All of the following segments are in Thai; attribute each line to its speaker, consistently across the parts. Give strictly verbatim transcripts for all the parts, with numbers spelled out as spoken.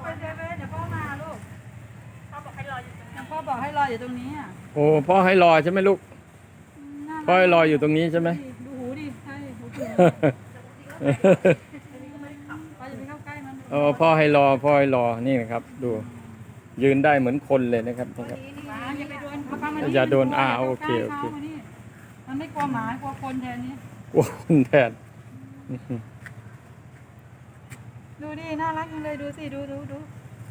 Speaker 1: เซเว่นเดี๋ยวพ่อมาลูกพ่อบอกให้รออยู่ตรงนี้พ่อบอกให้รออยู่ตรงนี้อ่ะ
Speaker 2: โอ้พ่อให้รอใช่ไหมลูกพ่อให้รออยู่ตรงนี้ใช่ไหม
Speaker 1: ดูหูดิใช่หูดิพ่อจะไปเข้าใกล้มัน
Speaker 2: เออพ่อให้รอพ่อให้รอนี่นะครับ ดูยืนได้เหมือนคนเลยนะครับนะครับ
Speaker 1: อย่าไปโดนเขา
Speaker 2: อย่าโดนอ่าโอเคโอเค
Speaker 1: มันไม่กลัวหมากลัวคนแทนนี้
Speaker 2: กลัวคนแทน
Speaker 1: ดูดิน่ารักจังเลยดูสิดูดูดู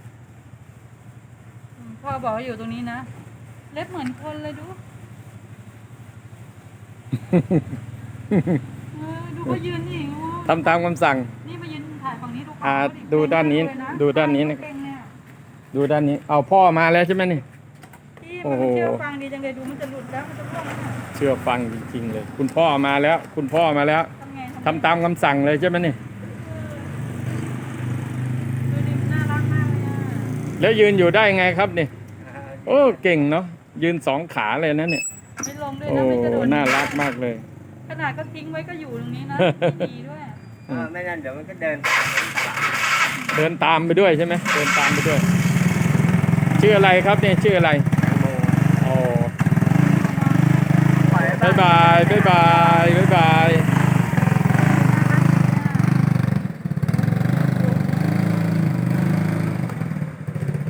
Speaker 1: พ่อบอกอยู่ตรงนี้นะเล็บเหมือนคนเลยดูดูเขายืนนี่
Speaker 2: ทำตามคำสั่ง
Speaker 1: นี่มายืนถ่ายฝั่งนี้ดู
Speaker 2: อ่าดูด้านนี้ดูด้านนี้นะดูด้านนี้เอาพ่อมาแล้วใช่ไหมนี่
Speaker 1: โอ้โหเชื่อฟังดีจังเลยดูมันจะหลุดแล้วมันจะร่วง
Speaker 2: เชื่อฟังจริงๆเลยคุณพ่อมาแล้วคุณพ่อมาแล้วทำตามคำสั่งเลยใช่ไหมนี่
Speaker 1: ดูดิน่ารักมากเลย
Speaker 2: แล้วยืนอยู่ได้ไงครับนี่โอ้เก่งเนาะยืนสองขาเลยนะเนี่ย
Speaker 1: ไม่ลงด้วย
Speaker 2: โอ้
Speaker 1: นะไม่กระโดด
Speaker 2: น่ารักมากเลย
Speaker 1: ขนาดก็ทิ้งไว้ก็อยู่ตรงนี้นะดีด้วย
Speaker 3: ไม่งั้นเดี๋ยวมันก็เดิน
Speaker 2: เดินตามไปด้วยใช่ไหมเดินตามไปด้วยชื่ออะไรครับเนี่ยชื่ออะไรโอ้บายบายบายบา